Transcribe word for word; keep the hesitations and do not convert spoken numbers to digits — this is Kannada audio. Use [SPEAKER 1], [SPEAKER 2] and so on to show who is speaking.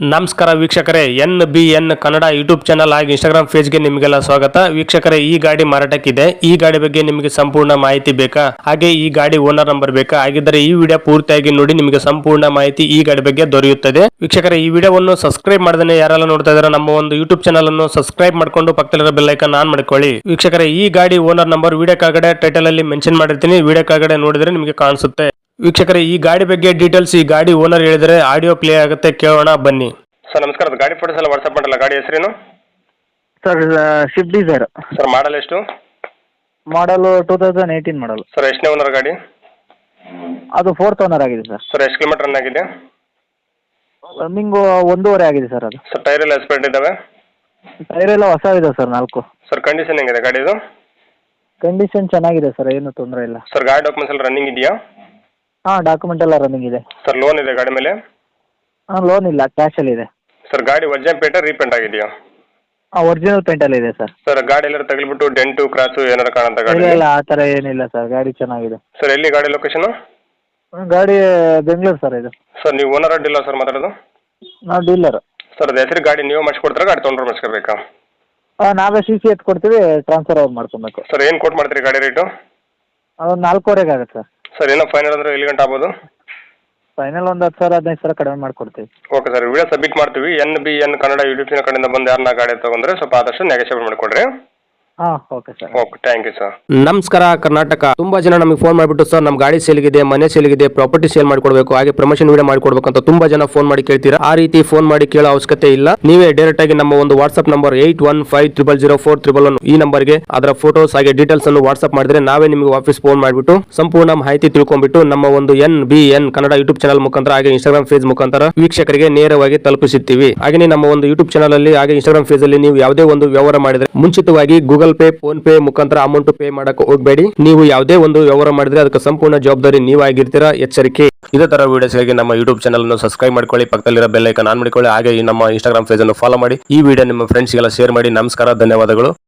[SPEAKER 1] ನಮಸ್ಕಾರ ವೀಕ್ಷಕರೇ, N B N Kannada YouTube channel ಹಾಗೂ ಇನ್ಸ್ಟಾಗ್ರಾಮ್ ಪೇಜ್ಗೆ ನಿಮಗೆಲ್ಲ ಸ್ವಾಗತ. ವೀಕ್ಷಕರೇ, ಈ ಗಾಡಿ ಮಾರಾಟಕ್ಕಿದೆ. ಈ ಗಾಡಿ ಬಗ್ಗೆ ನಿಮಗೆ ಸಂಪೂರ್ಣ ಮಾಹಿತಿ ಬೇಕಾ, ಹಾಗೆ ಈ ಗಾಡಿ ಓನರ್ ನಂಬರ್ ಬೇಕಾ? ಹಾಗಿದ್ದರೆ ಈ ವಿಡಿಯೋ ಪೂರ್ತಿಯಾಗಿ ನೋಡಿ, ನಿಮಗೆ ಸಂಪೂರ್ಣ ಮಾಹಿತಿ ಈ ಗಾಡಿ ಬಗ್ಗೆ ದೊರೆಯುತ್ತದೆ. ವೀಕ್ಷಕರೇ, ಈ ವಿಡಿಯೋವನ್ನು ಸಬ್ಸ್ಕ್ರೈಬ್ ಮಾಡದೇ ಯಾರೆಲ್ಲ ನೋಡ್ತಾ ಇದ್ದಾರೆ, ನಮ್ಮ ಒಂದು ಯೂಟ್ಯೂಬ್ ಚಾನಲ್ ಅನ್ನು ಸಬ್ಸ್ಕ್ರೈಬ್ ಮಾಡ್ಕೊಂಡು ಪಕ್ಕದಲ್ಲಿರೋ ಬೆಲ್ ಐಕಾನ್ ಆನ್ ಮಾಡ್ಕೊಳ್ಳಿ. ವೀಕ್ಷಕರೇ, ಈ ಗಾಡಿ ಓನರ್ ನಂಬರ್ ವಿಡಿಯೋ ಕೆಳಗಡೆ ಟೈಟಲ್ ಅಲ್ಲಿ ಮೆನ್ಷನ್ ಮಾಡಿರ್ತೀನಿ, ವಿಡಿಯೋ ಕೆಳಗಡೆ ನೋಡಿದ್ರೆ ನಿಮಗೆ ಕಾಣಿಸುತ್ತೆ. ವೀಕ್ಷಕರೇ, ಈ ಗಾಡಿ ಬಗ್ಗೆ ಡೀಟೇಲ್ಸ್ ಈ ಗಾಡಿ ಓನರ್ ಹೇಳಿದರೆ ಆಡಿಯೋ ಪ್ಲೇ ಆಗುತ್ತೆ, ಕೇಳೋಣ ಬನ್ನಿ. ಸರ್ ನಮಸ್ಕಾರ, ಗಾಡಿ ಫೋಟೋಸ್ ಎಲ್ಲ ವಾಟ್ಸಪ್ ಮಾಡಲ್ಲ. ಗಾಡಿ ಹೆಸರೇನು
[SPEAKER 2] sir? Swift Dzire
[SPEAKER 1] sir. Model ಎಷ್ಟು?
[SPEAKER 2] Model two thousand eighteen model
[SPEAKER 1] sir. ಎಷ್ಟನೇ ಓನರ್ ಗಾಡಿ?
[SPEAKER 2] ಅದು ಫೋರ್ತ್ ಓನರ್ ಆಗಿದೆ ಸರ್.
[SPEAKER 1] ಸರ್ ಎಷ್ಟು ಕಿಲೋಮೀಟರ್ ರನ್ ಆಗಿದೆ?
[SPEAKER 2] ರನ್ನಿಂಗು ಒಂದೂವರೆ ಆಗಿದೆ ಸರ್. ಅದು
[SPEAKER 1] ಸರ್ ಟೈರ್ ಎಲ್ಲ ಎಸ್ಪೆಂಟ್ ಇದ್ದಾವೆ?
[SPEAKER 2] ಟೈರ್ ಎಲ್ಲ ಹೊಸ ಇದೆ ಸರ್, ನಾಲ್ಕು.
[SPEAKER 1] ಸರ್ ಕಂಡೀಷನ್ ಹೆಂಗಿದೆ ಗಾಡಿದು?
[SPEAKER 2] ಕಂಡೀಷನ್ ಚೆನ್ನಾಗಿದೆ ಸರ್, ಏನು ತೊಂದರೆ ಇಲ್ಲ.
[SPEAKER 1] ಸರ್ ಗಾಡಿ ಡಾಕ್ಯುಮೆಂಟ್ಸ್ ಎಲ್ಲ ರನ್ನಿಂಗ್ ಇದೆಯಾ?
[SPEAKER 2] ಹಾಂ, ಡಾಕ್ಯುಮೆಂಟ್ ಎಲ್ಲ ರನ್ನಿಂಗ್ ಇದೆ
[SPEAKER 1] ಸರ್. ಲೋನ್ ಇದೆ ಗಾಡಿ ಮೇಲೆ?
[SPEAKER 2] ಹಾಂ, ಲೋನ್ ಇಲ್ಲ, ಕ್ಯಾಶಲ್ಲಿ ಇದೆ.
[SPEAKER 1] ಸರ್ ಗಾಡಿ ಒರಿಜಿನಲ್ ಪೇಂಟ್ ರೀಪೇಂಟ್ ಆಗಿದೆಯಾ?
[SPEAKER 2] ಹಾಂ, ಒರಿಜಿನಲ್ ಪೇಂಟಲ್ಲಿ ಇದೆ ಸರ್.
[SPEAKER 1] ಸರ್ ಗಾಡಿ ಎಲ್ಲರೂ ತಗಲಿಬಿಟ್ಟು ಡೆಂಟು ಕ್ರಾಸು ಏನಾರು ಕಾಣುತ್ತಾ ಗಾಡಿ?
[SPEAKER 2] ಇಲ್ಲ ಇಲ್ಲ, ಆ ಥರ ಏನಿಲ್ಲ ಸರ್, ಗಾಡಿ ಚೆನ್ನಾಗಿದೆ.
[SPEAKER 1] ಸರ್ ಎಲ್ಲಿ ಗಾಡಿ ಲೊಕೇಶನು?
[SPEAKER 2] ಗಾಡಿ ಬೆಂಗಳೂರು ಸರ್. ಇದು
[SPEAKER 1] ಸರ್ ನೀವು ಓನರ್ ಅಡ್ಡಿಲ್ಲ ಸರ್ ಮಾತಾಡೋದು?
[SPEAKER 2] ನಾವು ಡೀಲರ್.
[SPEAKER 1] ಸರ್ ಅದು ಹೆಸರು ಗಾಡಿ ನೀವು ಮಾಡಿಸ್ಕೊಡ್ತಾರೆ, ಗಾಡಿ ತೊಗೊಂಡ್ರೆ ಮಾಡಿಸ್ಕೋಬೇಕಾ?
[SPEAKER 2] ಹಾಂ, ನಾವೇ ಸಿ ಸಿ ಎತ್ ಕೊಡ್ತೀವಿ, ಟ್ರಾನ್ಸ್ಫರ್ ಅವ್ರು ಮಾಡ್ಕೊಬೇಕು.
[SPEAKER 1] ಸರ್ ಏನು ಕೊಟ್ಟು ಮಾಡ್ತೀರಿ ಗಾಡಿ ರೇಟು?
[SPEAKER 2] ಅದು ನಾಲ್ಕೂವರೆಗೆ ಆಗುತ್ತೆ ಸರ್.
[SPEAKER 1] ಸರ್ ಏನೋ ಫೈನಲ್ ಅಂದರೆ ಎಲ್ಲಿ ಗಂಟೆ ಆಗ್ಬೋದು?
[SPEAKER 2] ಫೈನಲ್ ಒಂದು ಹತ್ತು ಸಾವಿರ ಹದಿನೈದು ಸಾವಿರ ಕಡಿಮೆ ಮಾಡಿಕೊಡ್ತೀವಿ.
[SPEAKER 1] ಓಕೆ ಸರ್, ವಿಡಿಯೋ ಸಬ್ಮಿಟ್ ಮಾಡ್ತೀವಿ. N B N Kannada YouTube channel ಕಡೆಯಿಂದ ಬಂದು ಯಾರನ್ನ ಗಾಡಿ ತೊಗೊಂಡ್ರೆ ಸ್ವಲ್ಪ ಆದಷ್ಟು ನೆಗೋಷಿಯೇಟ್ ಮಾಡಿಕೊಡ್ರಿ.
[SPEAKER 2] ಹಾಂ, okay sir.
[SPEAKER 1] Okay, thank you sir.
[SPEAKER 3] ನಮಸ್ಕಾರ ಕರ್ನಾಟಕ. ತುಂಬಾ ಜನ ನಮಗೆ ಫೋನ್ ಮಾಡಿಬಿಟ್ಟು ಸರ್ ನಮ್ಮ ಗಾಡಿ ಸೇಲ್ಗಿದೆ, ಮನೆ ಸೇಲ್ಗಿದೆ, ಪ್ರಾಪರ್ಟಿ ಸೇಲ್ ಮಾಡಿಕೊಡ್ಬೇಕು, ಹಾಗೆ ಪ್ರಮೋಷನ್ ವಿಡಿಯೋ ಮಾಡಿಕೊಡ್ಬೇಕು ಅಂತ ತುಂಬಾ ಜನ ಫೋನ್ ಮಾಡಿ ಕೇಳ್ತೀರಾ. ಆ ರೀತಿ ಫೋನ್ ಮಾಡಿ ಕೇಳೋ ಅವಶ್ಯಕತೆ ಇಲ್ಲ. ನೀವೇ ಡೈರೆಕ್ಟ್ ಆಗಿ ನಮ್ಮ ಒಂದು WhatsApp number eight one five triple zero four triple one ಈ ನಂಬರ್ಗೆ ಅದರ ಫೋಟೋಸ್ ಹಾಗೆ ಡೀಟೇಲ್ಸ್ ಅನ್ನು ವಾಟ್ಸ್ಆಪ್ ಮಾಡಿದ್ರೆ ನಾವೇ ನಿಮಗೆ ವಾಪಸ್ ಫೋನ್ ಮಾಡಿಬಿಟ್ಟು ಸಂಪೂರ್ಣ ಮಾಹಿತಿ ತಿಳ್ಕೊಂಡ್ಬಿಟ್ಟು ನಮ್ಮ ಒಂದು N B N Kannada YouTube channel ಮುಖಾಂತರ ಹಾಗೆ ಇನ್ಸ್ಟಾಗ್ರಾಮ್ ಪೇಜ್ ಮುಖಾಂತರ ವೀಕ್ಷಕರಿಗೆ ನೇರವಾಗಿ ತಲುಪಿಸುತ್ತೀವಿ. ಹಾಗೆ ನಮ್ಮ ಒಂದು ಯೂಟ್ಯೂಬ್ ಚಾನಲ್ ಅಲ್ಲಿ ಹಾಗೆ ಇನ್ಸ್ಟಾಗ್ರಾಮ್ ಪೇಜ್ ಅಲ್ಲಿ ನೀವು ಯಾವುದೇ ಒಂದು ವ್ಯವಹಾರ ಮಾಡಿದ್ರೆ ಮುಂಚಿತವಾಗಿ ಗೂಗಲ್ ಪೇ, ಫೋನ್ ಪೇ ಮುಖಾಂತರ ಅಮೌಂಟ್ ಪೇ ಮಾಡಕ್ಕೆ ಹೋಗಬೇಡಿ. ನೀವು ಯಾವುದೇ ಒಂದು ವ್ಯವಹಾರ ಮಾಡಿದ್ರೆ ಅದಕ್ಕೆ ಸಂಪೂರ್ಣ ಜವಾಬ್ದಾರಿ ನೀವಾಗಿರ್ತೀರಾ, ಎಚ್ಚರಿಕೆ. ಇದೇ ತರ ವಿಡಿಯೋಸ್ಗಾಗಿ ನಮ್ಮ ಯೂಟ್ಯೂಬ್ ಚಾನಲ್ ಅನ್ನು ಸಬ್ಸ್ಕ್ರೈಬ್ ಮಾಡ್ಕೊಳ್ಳಿ, ಪಕ್ಕದಲ್ಲಿರೋ ಬೆಲ್ ಐಕಾನ್ ಆನ್ ಮಾಡಿಕೊಳ್ಳಿ, ಹಾಗೆ ನಮ್ಮ ಇನ್ಸ್ಟಾಗ್ರಾಮ್ ಪೇಜ್ ಅನ್ನು ಫಾಲೋ ಮಾಡಿ. ಈ ವಿಡಿಯೋ ನಿಮ್ಮ ಫ್ರೆಂಡ್ಸ್ಗೆಲ್ಲ ಶೇರ್ ಮಾಡಿ. ನಮಸ್ಕಾರ, ಧನ್ಯವಾದಗಳು.